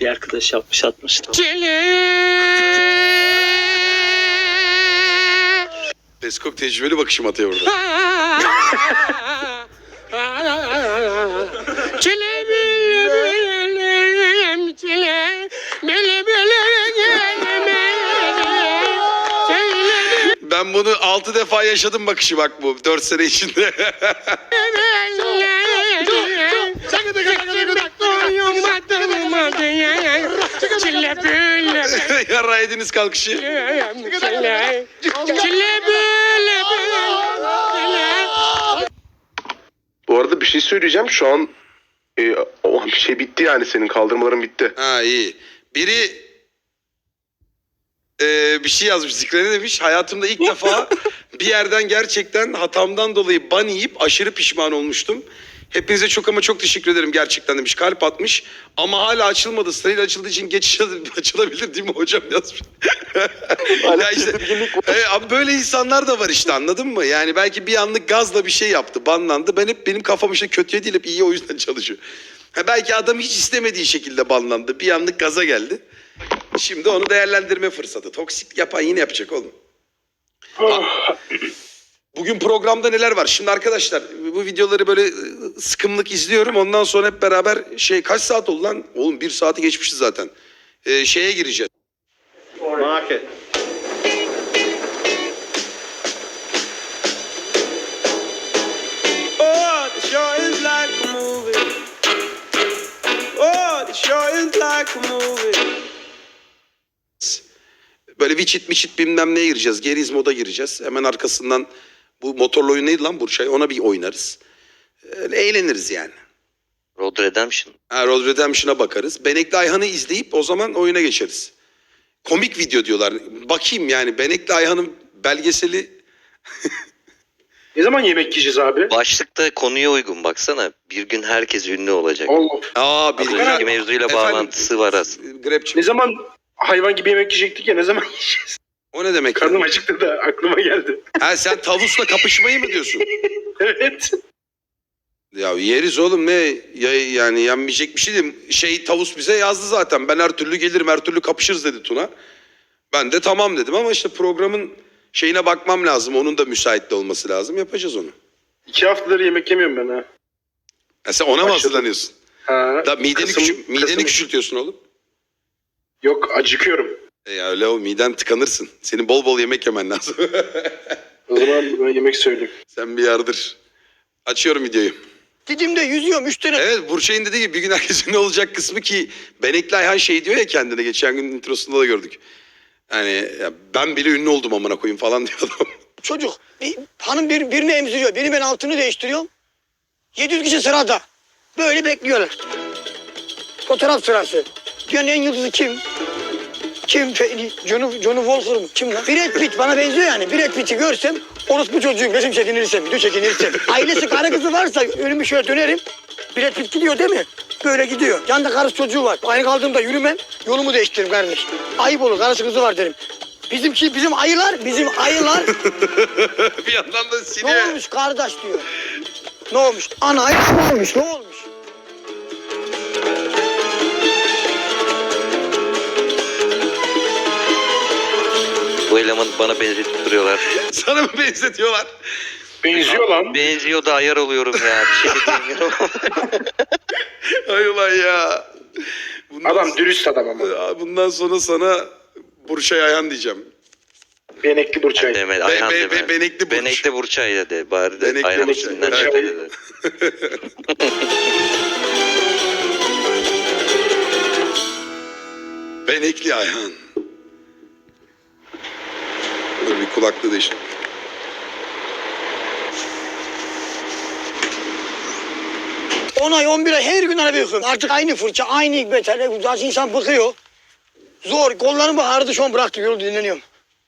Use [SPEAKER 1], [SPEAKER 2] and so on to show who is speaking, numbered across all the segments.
[SPEAKER 1] Bir arkadaş yapmış atmıştı.
[SPEAKER 2] Peskok tecrübeli bakışım atıyor orada. Ben bunu 6 defa yaşadım bakışı bak bu 4 sene içinde. Yarra ediniz kalkışı.
[SPEAKER 3] Bu arada bir şey söyleyeceğim. Şu an o bir şey bitti yani, senin kaldırmaların bitti.
[SPEAKER 2] Ha iyi. Biri bir şey yazmış. Zikre ne demiş? Hayatımda ilk defa bir yerden gerçekten hatamdan dolayı ban yiyip aşırı pişman olmuştum. Hepinize çok ama çok teşekkür ederim gerçekten demiş. Kalp atmış. Ama hala açılmadı. Sırayla açıldığı için geçiş açılabilir değil mi hocam yazmış. Ya işte, abi böyle insanlar da var işte, anladın mı? Yani belki bir anlık gazla bir şey yaptı. Banlandı. Benim kafam işte kötüye değil hep iyi, o yüzden çalışıyor. Belki adam hiç istemediği şekilde banlandı. Bir anlık gaza geldi. Şimdi onu değerlendirme fırsatı. Toksik yapan yine yapacak oğlum. Bugün programda neler var? Şimdi arkadaşlar bu videoları böyle sıkımlık izliyorum. Ondan sonra hep beraber kaç saat oldu lan? Oğlum 1 saati geçmişiz zaten. Şeye gireceğiz.
[SPEAKER 3] Market.
[SPEAKER 4] Oh, the show is like a movie. Oh, the show is like a movie.
[SPEAKER 2] Böyle viçit bilmem neye gireceğiz. Geriz moda gireceğiz. Hemen arkasından bu motorlu oyun neydi lan Burçay? Ona bir oynarız. Eğleniriz yani.
[SPEAKER 5] Road Redemption.
[SPEAKER 2] Road Redemption'a bakarız. Benekli Ayhan'ı izleyip o zaman oyuna geçeriz. Komik video diyorlar. Bakayım yani Benekli Ayhan'ın belgeseli.
[SPEAKER 6] Ne zaman yemek yiyeceğiz abi?
[SPEAKER 5] Başlıkta konuya uygun baksana. Bir gün herkes ünlü olacak.
[SPEAKER 6] Allah.
[SPEAKER 5] Az önceki mevzuyla bağlantısı var aslında.
[SPEAKER 2] Grabçı.
[SPEAKER 6] Ne zaman hayvan gibi yemek yiyecektik ya, ne zaman yiyeceğiz?
[SPEAKER 2] O ne demek?
[SPEAKER 6] Karnım acıktı da aklıma geldi.
[SPEAKER 2] Sen tavusla kapışmayı mı diyorsun?
[SPEAKER 6] Evet.
[SPEAKER 2] Ya yeriz oğlum, ne yani yenmeyecek bir şey değil. Tavus bize yazdı zaten. Ben her türlü gelirim, her türlü kapışırız dedi Tuna. Ben de tamam dedim ama işte programın şeyine bakmam lazım. Onun da müsait de olması lazım. Yapacağız onu.
[SPEAKER 6] 2 haftadır yemek yemiyorum ben ha.
[SPEAKER 2] Sen ona mı
[SPEAKER 6] Başladım.
[SPEAKER 2] hazırlanıyorsun?
[SPEAKER 6] Ha.
[SPEAKER 2] Da mideni
[SPEAKER 6] Kasım.
[SPEAKER 2] küçültüyorsun oğlum.
[SPEAKER 6] Yok, acıkıyorum.
[SPEAKER 2] Ya öyle o miden tıkanırsın. Senin bol bol yemek yemen lazım.
[SPEAKER 6] O zaman ben yemek söyleyeyim.
[SPEAKER 2] Sen bir yardır. Açıyorum videoyu.
[SPEAKER 7] Didim'de yüzüyorum 3 tane.
[SPEAKER 2] Evet, Burçay'ın dediği gibi bir gün herkesin ne olacak kısmı ki Benekli Ayhan diyor ya kendine, geçen gün introsunda da gördük. Yani ya ben bile ünlü oldum amına koyayım falan diyor adam.
[SPEAKER 7] Çocuk. Hanım birini emziriyor. Beni ben altını değiştiriyorum. 700 kişi sırada. Böyle bekliyorlar. Fotoğraf sırası. Dünyanın en yıldızı kim? Kim? Johnny Walker mı? Kim lan? Brad Pitt bana benziyor yani. Brad Pitt'i görsem orospu çocuğum, resim çekinirsem, video çekinirsem. Ailesi karı kızı varsa önümü şöyle dönerim. Brad Pitt gidiyor değil mi? Böyle gidiyor. Yanında karısı çocuğu var. Aynı kaldığımda yürümem. Yolumu değiştiririm kardeş. Ayıp olur. Karısı kızı var derim. Bizim ayılar.
[SPEAKER 2] Bir yandan da
[SPEAKER 7] Ne
[SPEAKER 2] siniyor.
[SPEAKER 7] olmuş kardeş diyor. Ne olmuş? Ana ne olmuş? Ne olmuş?
[SPEAKER 5] Bu elemanı bana benzetip duruyorlar.
[SPEAKER 2] Sana mı benzetiyorlar?
[SPEAKER 6] Benziyor lan.
[SPEAKER 5] Benziyor da ayar oluyorum ya. Bir şey diyemiyorum.
[SPEAKER 2] Ay ulan ya.
[SPEAKER 6] Adam dürüst adam ama.
[SPEAKER 2] Bundan sonra sana Burçay Ayhan diyeceğim.
[SPEAKER 6] Benekli Burçay.
[SPEAKER 5] Deme, Ayhan deme.
[SPEAKER 2] Benekli Burç.
[SPEAKER 5] Benekli Burçay dedi. Bari de
[SPEAKER 2] Benekli
[SPEAKER 5] Ayhan
[SPEAKER 2] Burçay.
[SPEAKER 5] üstünden
[SPEAKER 6] Evet.
[SPEAKER 5] şöyle dedi.
[SPEAKER 2] Benekli Ayhan. Dur bir kulaklığı değiştir.
[SPEAKER 7] On ay 11 ay her gün araba yıkıyorum. Artık aynı fırça, aynı beter. Zaten insan bıkıyor. Zor. Kollarım ağrıdı, şu an bıraktım. Yolu dinleniyorum.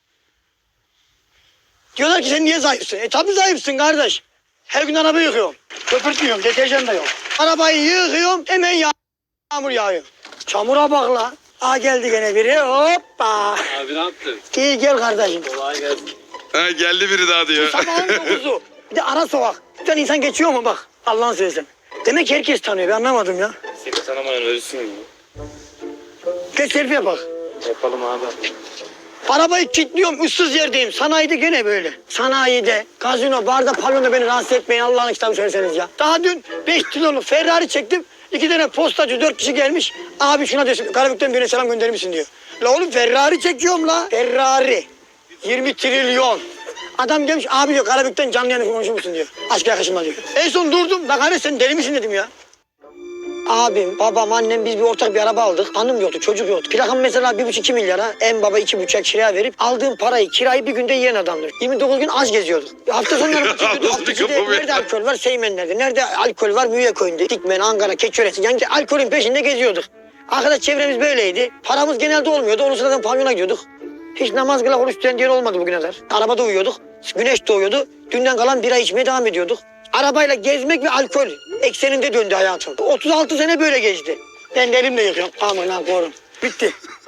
[SPEAKER 7] Diyorlar ki sen niye zayıfsın? Tabii zayıfsın kardeş. Her gün araba yıkıyorum. Köpürtmüyorum, deterjan da yok. Arabayı yıkıyorum, hemen yağmur yağıyor. Çamura bak la. Aa geldi gene biri. Hoppa.
[SPEAKER 1] Abi ne yaptın?
[SPEAKER 7] İyi gel kardeşim.
[SPEAKER 1] Kolay gelsin.
[SPEAKER 2] Ha, geldi biri daha diyor.
[SPEAKER 7] Sabahın 9'u. Bir de ara sokak. Bir tane insan geçiyor mu bak. Allah'ını seversen. Demek ki herkes tanıyor. Ben anlamadım ya.
[SPEAKER 1] Seni tanımayan ölsün mü?
[SPEAKER 7] Gel selfie bak.
[SPEAKER 6] Yapalım abi.
[SPEAKER 7] Arabayı kilitliyorum, ıssız yerdeyim. Sanayide gene böyle. Sanayide, gazino, barda, pavyonda beni rahatsız etmeyin. Allah'ın kitabı söyleseniz ya. Daha dün 5 kiloluk Ferrari çektim. 2 tane postacı 4 kişi gelmiş. Abi şuna desin, Karabük'ten birine selam gönderir misin diyor. La oğlum Ferrari çekiyorum la. Ferrari. 20 trilyon. Adam gelmiş abi diyor Karabük'ten canlı yayını konuşur musun diyor. Aşk yakışma diyor. En son durdum. Bak hani sen deli misin dedim ya. Abim, babam, annem biz bir ortak bir araba aldık. Hanım yoktu, çocuk yoktu. Plakam mesela 1,5-2 milyara. En baba 2,5'a kiraya verip aldığım parayı, kirayı bir günde yiyen adamdır. 29 gün az geziyorduk. Hafta sonları maça gidiyorduk. Hafta içinde nerede alkol var? Seymenler'de. Nerede alkol var? Müyeköy'ünde. Dikmen, Ankara, Keçiöresi. Yani alkolün peşinde geziyorduk. Arkadaş çevremiz böyleydi. Paramız genelde olmuyordu. Onun sırasında pavyona gidiyorduk. Hiç namaz kıla oruç tutan diyen olmadı bugüne kadar. Arabada uyuyorduk. Güneş doğuyordu. Dünden kalan bira içmeye devam ediyorduk. Arabayla gezmek ve alkol ekseninde döndü hayatım. 36 sene böyle geçti. Ben de elimle yıkıyorum. Aman ha korum. Bitti.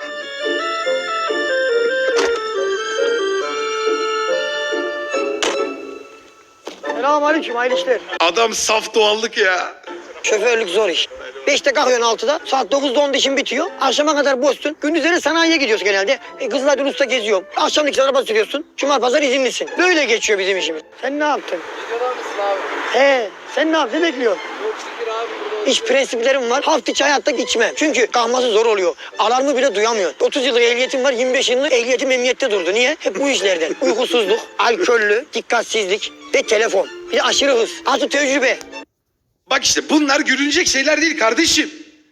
[SPEAKER 7] Selamünaleyküm, hayırlı işler.
[SPEAKER 2] Adam saf doğallık ya.
[SPEAKER 7] Şoförlük zor iş. 5'te kalkıyorsun 6'da. Saat 9'da 10'da işin bitiyor. Akşama kadar boşsun. Gündüzleri sanayiye gidiyoruz genelde. Kızlar Ulus'ta geziyorum. Akşam 2 araba sürüyorsun. Cuma pazar izinlisin. Böyle geçiyor bizim işimiz. Sen ne yaptın?
[SPEAKER 8] Videoda mısın abi?
[SPEAKER 7] He, sen ne yaptın? Ne bekliyorsun?
[SPEAKER 8] Çok şükür abi burada.
[SPEAKER 7] İş prensiplerim var. Hafta içi hayatta içmem. Çünkü kalması zor oluyor. Alarmı bile duyamıyor. 30 yıllık ehliyetim var. 25 yıllık ehliyetim emniyette durdu. Niye? Hep bu işlerden. Uykusuzluk, alkollü, dikkatsizlik ve telefon. Bir de aşırı hız. Artı tecrübe.
[SPEAKER 2] Bak işte bunlar gülünecek şeyler değil kardeşim.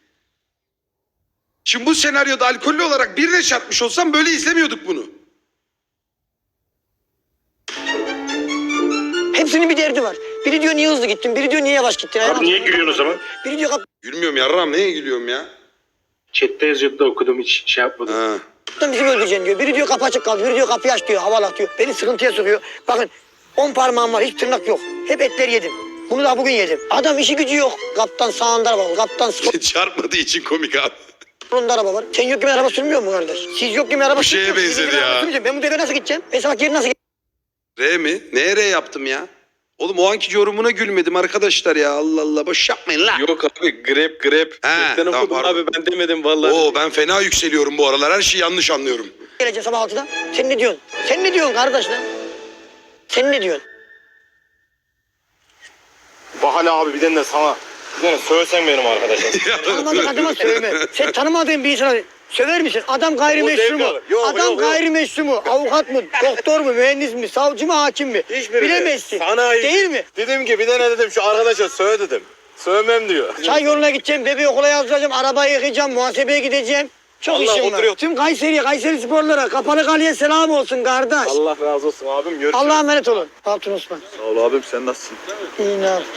[SPEAKER 2] Şimdi bu senaryoda alkollü olarak birine çarpmış olsam böyle izlemiyorduk bunu.
[SPEAKER 7] Hepsinin bir derdi var. Biri diyor niye hızlı gittin, biri diyor niye yavaş gittin.
[SPEAKER 6] Abi niye gülüyorsun o zaman?
[SPEAKER 7] Biri diyor
[SPEAKER 2] Gülmüyorum yarram, neye gülüyorum ya?
[SPEAKER 6] Chat'te yazıyordu da okudum, hiç şey yapmadım.
[SPEAKER 2] Ha.
[SPEAKER 7] kaptan bizi öldüreceksin diyor. Biri diyor kapı açık kaldı, biri diyor kapıyı aç diyor, havalat diyor. Beni sıkıntıya sokuyor. Bakın 10 parmağım var, hiç tırnak yok. Hep etler yedim. Bunu da bugün yedim. Adam işi gücü yok. Kaptan sağında araba var. Kaptan
[SPEAKER 2] Çarpmadığı için komik abi.
[SPEAKER 7] solunda araba var. Sen yok gibi araba sürmüyor mu kardeş? Siz yok gibi araba
[SPEAKER 2] Bu şeye
[SPEAKER 7] sürmüyor musunuz?
[SPEAKER 2] benzedi
[SPEAKER 7] Siz yok gibi
[SPEAKER 2] ya.
[SPEAKER 7] araba sürmeyeceğim. Ben bu devre nasıl gideceğim? Mesela bak yeri nasıl
[SPEAKER 2] R mi? Neye R yaptım ya? Oğlum o anki yorumuna gülmedim arkadaşlar ya. Allah Allah boş yapmayın la.
[SPEAKER 9] Yok abi grep.
[SPEAKER 2] He,
[SPEAKER 9] Sen
[SPEAKER 2] tamam,
[SPEAKER 9] okudun
[SPEAKER 2] pardon.
[SPEAKER 9] abi, ben demedim vallahi.
[SPEAKER 2] Oo ben fena yükseliyorum bu aralar. Her şeyi yanlış anlıyorum.
[SPEAKER 7] geleceğim sabah 6'da? Sen ne diyorsun? Sen ne diyorsun kardeş lan? Sen ne diyorsun?
[SPEAKER 9] Bahane abi bir de sana. Bir de söylesen benim arkadaşım.
[SPEAKER 7] Tanımadığın adama sövme. Sen tanımadığın bir insana söver misin? Adam gayrimeşru mu? Adam gayrimeşru mu? Avukat mı? Doktor mu? Mühendis mi? Savcı mı? Hakim mi? Bilemezsin. Değil mi?
[SPEAKER 9] Dedim ki bir de ne dedim, şu arkadaşa söyle dedim. Sövmem diyor.
[SPEAKER 7] Çay yoluna gideceğim, bebeği okula yazdıracağım, arabayı yıkayacağım, muhasebeye gideceğim. Çok
[SPEAKER 9] Allah
[SPEAKER 7] işim var.
[SPEAKER 9] oturuyor.
[SPEAKER 7] Tüm Kayseri sporlara, Kapalı Kale'ye selam olsun kardeş.
[SPEAKER 9] Allah razı olsun abim, görüşürüz.
[SPEAKER 7] Allah'a emanet olun. Ne yaptın Osman?
[SPEAKER 9] Sağ ol abim, sen nasılsın?
[SPEAKER 7] İyi ne yaptın?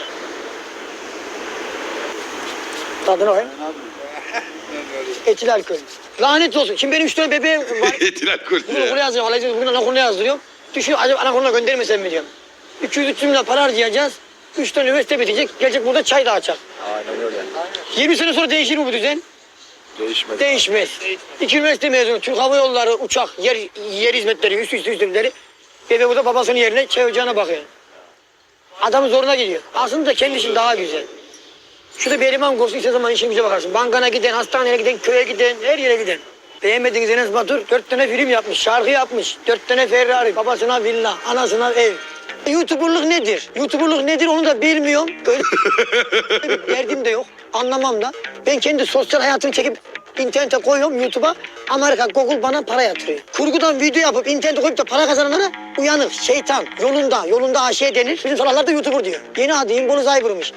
[SPEAKER 7] Tadına bakayım. Etil alkol. Lanet olsun. Şimdi benim 3 tane bebeğim var.
[SPEAKER 2] Etil alkol
[SPEAKER 7] Bugün okula
[SPEAKER 2] ya.
[SPEAKER 7] yazdırıyorum. Alacağız. Bugün anaokuluna yazdırıyorum. Düşünüyorum acaba anaokuluna göndermesem mi diyorum. 200-300 milyon para harcayacağız. 3 tane üniversite bitecek. Gelecek burada çay dağıtacak.
[SPEAKER 9] Aynen öyle.
[SPEAKER 7] 20 sene sonra değişir mi bu düzen?
[SPEAKER 9] Değişmez.
[SPEAKER 7] Değişmez. 2 üniversite mezunu. Türk Hava Yolları, uçak, yer hizmetleri, üst hizmetleri. Bebe burada babasının yerine çay ocağına bakıyor. Adamın zoruna gidiyor. Aslında kendi işin daha güzel. Şurada bir eleman kursu istediğin zaman işin güce bakarsın. Bankana giden, hastaneye giden, köye giden, her yere giden. Beğenmediğiniz Enes Batur 4 tane film yapmış, şarkı yapmış. 4 tane Ferrari, babasına villa, anasına ev. YouTuber'lık nedir? YouTuber'lık nedir onu da bilmiyorum. Öyle bir derdim de yok. Anlamam da. Ben kendi sosyal hayatımı çekip internete koyuyorum YouTube'a. Amerika Google bana para yatırıyor. Kurgudan video yapıp internete koyup da para kazananlara uyanık, şeytan, yolunda aşiye denir. Bizim salaklar da YouTuber diyor. Yeni adı Influencer'mış.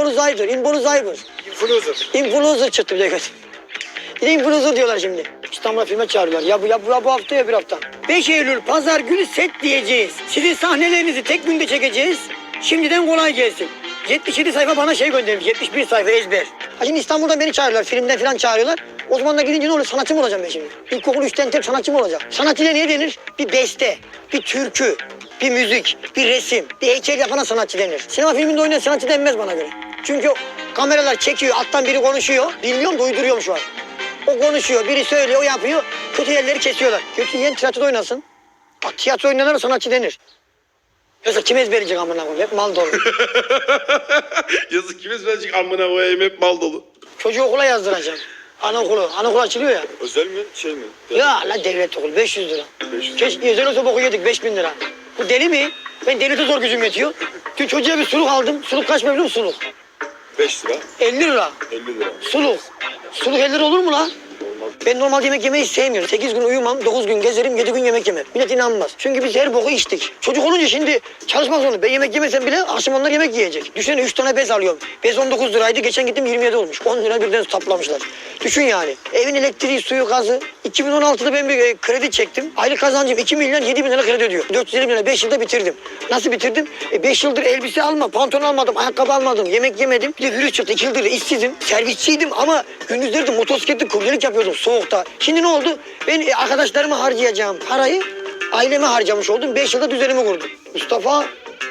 [SPEAKER 7] Influencer çıktı bir de göz. Bir de influencer diyorlar şimdi. İstanbul'a filme çağırıyorlar. Ya bu hafta ya bir hafta. 5 Eylül pazar günü set diyeceğiz. Sizin sahnelerinizi tek günde çekeceğiz. Şimdiden kolay gelsin. 77 sayfa bana şey göndermiş. 71 sayfa ezber. Ha şimdi İstanbul'dan beni çağırıyorlar. Filmden falan çağırıyorlar. O zaman da gidince ne olur? Sanatçı mı olacağım ben şimdi? İlkokul 3'ten tek sanatçı mı olacak? Sanatçıyla ne denir? Bir beste, bir türkü, bir müzik, bir resim, bir heykel yapana sanatçı denir. Sinema filminde oynayan sanatçı denmez bana göre. Çünkü kameralar çekiyor, alttan biri konuşuyor. Bilmiyorum da uyduruyorum şu an. O konuşuyor, biri söylüyor, o yapıyor. Kötü yerleri kesiyorlar. Kötü yiyen tiyatroda oynasın. Bak tiyatro oynanana sanatçı denir. Yoksa kim ezberleyecek amına koyayım? Hep mal dolu.
[SPEAKER 2] Yazık kimiz birazcık amına koyayım hep mal dolu.
[SPEAKER 7] Çocuğu okula yazdıracağım. Anaokulu açılıyor ya.
[SPEAKER 9] Özel mi? Şey mi?
[SPEAKER 7] Ya la devlet okulu 500 lira.
[SPEAKER 9] 500.
[SPEAKER 7] Keşke özel olsa boku yedik 5000 lira. Bu deli mi? Ben devlete zor gücüm yetiyor. Dün çocuğa bir suluk aldım. Suluk kaç biliyor musun suluk?
[SPEAKER 9] 5 lira.
[SPEAKER 7] 50 lira.
[SPEAKER 9] 50 lira.
[SPEAKER 7] Suluk. Suluk 50 lira olur mu lan? Ben normal yemek yemeyi sevmiyorum. 8 gün uyumam, 9 gün gezerim, 7 gün yemek yemem. Millet inanmaz. Çünkü biz her boku içtik. Çocuk olunca şimdi çalışmak zorunda. Ben yemek yemesem bile akşam onlar yemek yiyecek. Düşünsene 3 tane bez alıyorum. Bez 19 liraydı. Geçen gittim 27 olmuş. 10 lira birden taplamışlar. Düşün yani. Evin elektriği, suyu, gazı. 2016'da ben bir kredi çektim. Aylık kazancım 2 milyon 7 bin lira kredi ödüyor. 450 bin lira 5 yılda bitirdim. Nasıl bitirdim? 5 yıldır elbise alma, pantolon almadım, ayakkabı almadım, yemek yemedim. Bir de virüs çıktı. 2 yıldır işsizim. Servisçiydim ama gündüzleri de motosikletli kuryelik yapıyordum soğukta. Şimdi ne oldu? Ben arkadaşlarıma harcayacağım parayı aileme harcamış oldum. 5 yılda düzenimi kurdum. Mustafa.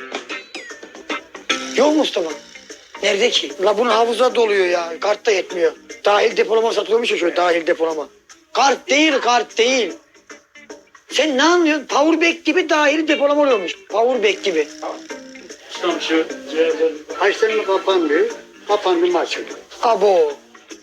[SPEAKER 7] Yok Mustafa. Nerede ki? La bunun havuza doluyor ya. Kart da yetmiyor. Dahil depolama satılıyormuş ya şöyle dahil depolama. Kart değil. Sen ne anlıyorsun? Powerbank gibi dahil depolama oluyormuş. Powerbank gibi.
[SPEAKER 10] Kaçlarını kapandı. Kapandı mı açıldı?
[SPEAKER 7] Abo.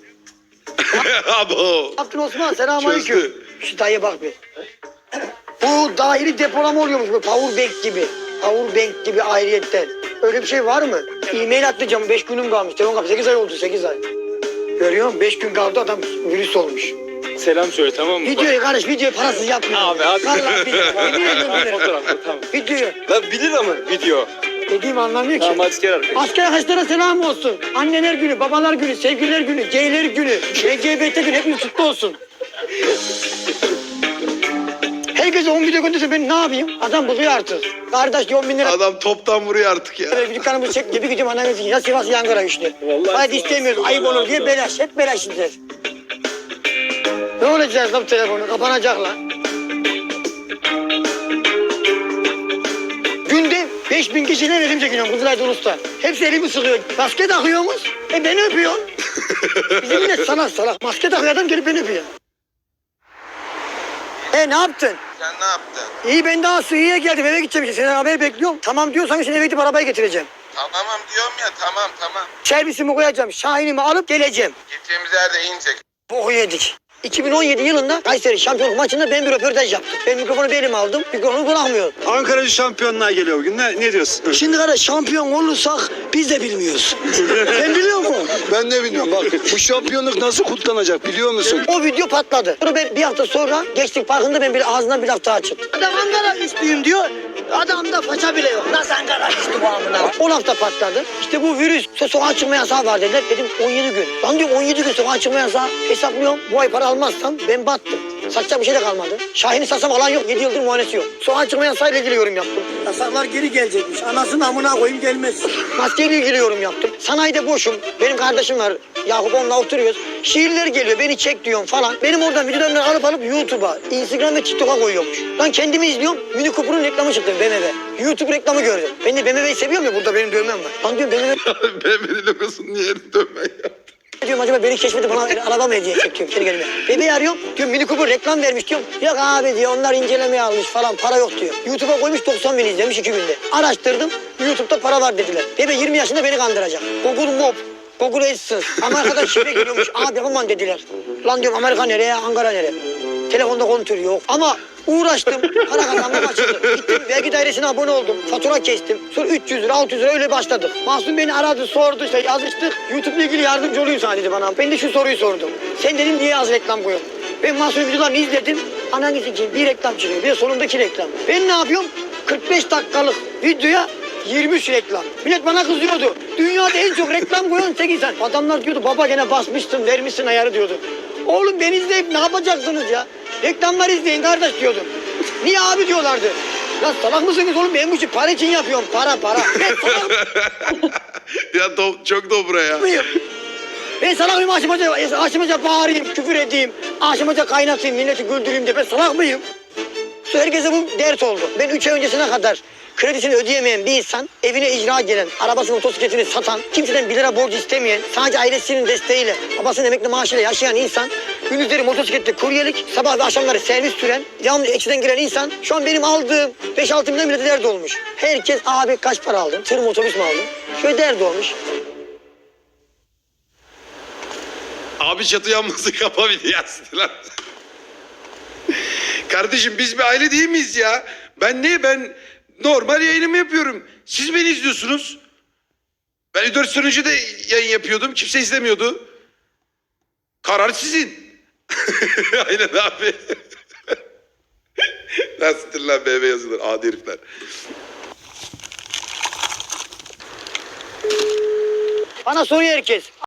[SPEAKER 2] Abo.
[SPEAKER 7] Yaptın Osman selamünaleyküm.
[SPEAKER 2] Çözdü.
[SPEAKER 7] Şu dayıya bak bir. Bu dahili depolama oluyormuş bu powerbank gibi. Powerbank gibi ayrıyetten. Öyle bir şey var mı? E-mail atlayacağım 5 günüm kalmış. Telefon kapı 8 ay oldu 8 ay. Görüyor musun? 5 gün kaldı adam virüs olmuş.
[SPEAKER 9] Selam söyle tamam mı?
[SPEAKER 7] Videoyu kardeş videoyu parasız yapmıyor.
[SPEAKER 9] Abi, hadi.
[SPEAKER 7] Vallahi video.
[SPEAKER 9] Fotoğrafı tamam.
[SPEAKER 7] Videoyu.
[SPEAKER 9] Lan bilir ama video.
[SPEAKER 7] Dediğimi anlamıyor ki.
[SPEAKER 9] Tamam asker arkadaş.
[SPEAKER 7] Asker arkadaşlara selam olsun. Anneler günü, babalar günü, sevgililer günü, geyler günü, LGBT günü hepimiz kutlu olsun. Herkese 10 video gönderse ben ne yapayım? Adam buluyor artık. Kardeş 10 bin lira
[SPEAKER 2] Adam toptan vuruyor artık ya.
[SPEAKER 7] bir dükkanımızı çek gibi gidiyorum annemizin. Ya Sivas ya Ankara işte. Hadi istemiyoruz ayıp olur diye belaş. Hep belaş işler. Ne olacak lan bu telefonu? Kapanacak lan. Günde 5000 kişiyle elim çekiyorum Kızılay'da Ulus'ta. Hepsi elimi sıkıyor. Maske takıyorsunuz. Beni öpüyorsun. Bizim millet salak. Maske takıyor adam gelip beni öpüyor. Ne yaptın?
[SPEAKER 3] Sen ne yaptın?
[SPEAKER 7] İyi ben daha Suriye'ye geldim eve gideceğim işte. Senden haber bekliyorum. Tamam diyorsan şimdi eve gidip arabayı getireceğim.
[SPEAKER 3] Tamam diyorum ya tamam.
[SPEAKER 7] Servisimi koyacağım. Şahinimi alıp geleceğim.
[SPEAKER 3] Gideceğimiz yerde inecek.
[SPEAKER 7] Boku yedik. 2017 yılında Kayseri şampiyonluk maçında ben bir röportaj yaptım. Ben mikrofonu elime aldım. Mikrofonu bırakmıyorum.
[SPEAKER 10] Ankara'cı şampiyonluğa geliyor bugün. Ne diyorsun?
[SPEAKER 7] Şimdi kardeş şampiyon olursak biz de bilmiyoruz. Sen biliyor musun?
[SPEAKER 10] Ben ne biliyorum bak. Bu şampiyonluk nasıl kutlanacak biliyor musun?
[SPEAKER 7] O video patladı. Sonra ben bir hafta sonra Gençlik Parkı'nda ben bir ağzından bir laf daha çıktı. Adam Ankara güçlüyüm diyor. Adamda faça bile yok. Nasıl Ankara güçlü bu amına? O laf da patladı. İşte bu virüs sokağa çıkma yasağı var dediler. Dedim 17 gün. Lan diyorum 17 gün sokağa çıkma yasağı. Hesaplıyorum. Bu ay para almazsam ben battım. Satacak bir şey de kalmadı. Şahin'i satsam alan yok. 7 yıldır muayenesi yok. Sokağa çıkma yasağıyla ilgili yorum yaptım. Yasaklar geri gelecekmiş. Anasını amına koyayım gelmez. Maskeyle ilgili yorum yaptım. Sanayide boşum. Benim kardeşim var. Yakup onunla oturuyoruz. Şiirler geliyor. Beni çek diyorum falan. Benim oradan videolarını alıp YouTube'a, Instagram ve TikTok'a koyuyormuş. Lan kendimi izliyorum. Mini Cooper'ın reklamı çıktı BMW. YouTube reklamı gördüm. Ben de BMW'yi seviyorum ya burada benim dövmem var. Lan diyorum BMW
[SPEAKER 2] BMW'nin logosunun yerini dönmen ya.
[SPEAKER 7] diyorum acaba beni keşfedip bana araba mı hediye çekiyorum kendi kendime. Bebeği arıyorum diyorum Mini Cooper reklam vermiş diyorum. Yok abi diyor onlar incelemeye almış falan para yok diyor. YouTube'a koymuş 90 bin izlemiş 2 günde. Araştırdım YouTube'da para var dediler. Bebe 20 yaşında beni kandıracak. Google Mob, Google AdSense. Amerika'dan şifre geliyormuş abi aman dediler. Lan diyorum Amerika nereye Ankara nereye. Telefonda kontür yok ama uğraştım para kazanmam açıldı. Gittim vergi dairesine abone oldum. Fatura kestim. Sonra 300 lira 600 lira öyle başladık. Mahsun beni aradı sordu işte yazıştık. YouTube'la ilgili yardımcı olayım sana dedi bana. Ben de şu soruyu sordum. Sen dedim niye az reklam koyuyorsun? Ben Mahsun'un videolarını izledim. Anangisi için bir reklam çıkıyor. Bir de sonundaki reklam. Ben ne yapıyorum? 45 dakikalık videoya 23 reklam. Millet bana kızıyordu. Dünyada en çok reklam koyan tek insan. Adamlar diyordu baba gene basmışsın vermişsin ayarı diyordu. Oğlum beni izleyip ne yapacaksınız ya? Reklamlar izleyin kardeş diyordum. Niye abi diyorlardı. Ya salak mısınız oğlum ben bu işi para için yapıyorum para. Ben salak
[SPEAKER 2] Ya çok dobra ya.
[SPEAKER 7] mıyım? Ben salak mıyım aşamaca bağırayım küfür edeyim. Aşamaca kaynatayım milleti güldüreyim diye ben salak mıyım? Herkese bu dert oldu. Ben 3 ay öncesine kadar kredisini ödeyemeyen bir insan, evine icra gelen, arabasını motosikletini satan, kimseden 1 lira borç istemeyen, sadece ailesinin desteğiyle, babasının emekli maaşıyla yaşayan insan, gündüzleri motosikletle kuryelik, sabah ve akşamları servis süren, devamlı eksiden giren insan, şu an benim aldığım 5-6 milyon millete dert olmuş. Herkes abi kaç para aldın, tır mı otobüs mü aldın? Şöyle dert olmuş.
[SPEAKER 2] Abi çatı yanması kapa bir yazdı lan. Kardeşim biz bir aile değil miyiz ya? Ben normal yayınımı yapıyorum. Siz beni izliyorsunuz. Ben 4 sene önce de yayın yapıyordum. Kimse izlemiyordu. Karar sizin. Aynen abi. Nasıldır lan BB yazılır. Adi herifler.
[SPEAKER 7] Bana soruyor herkes.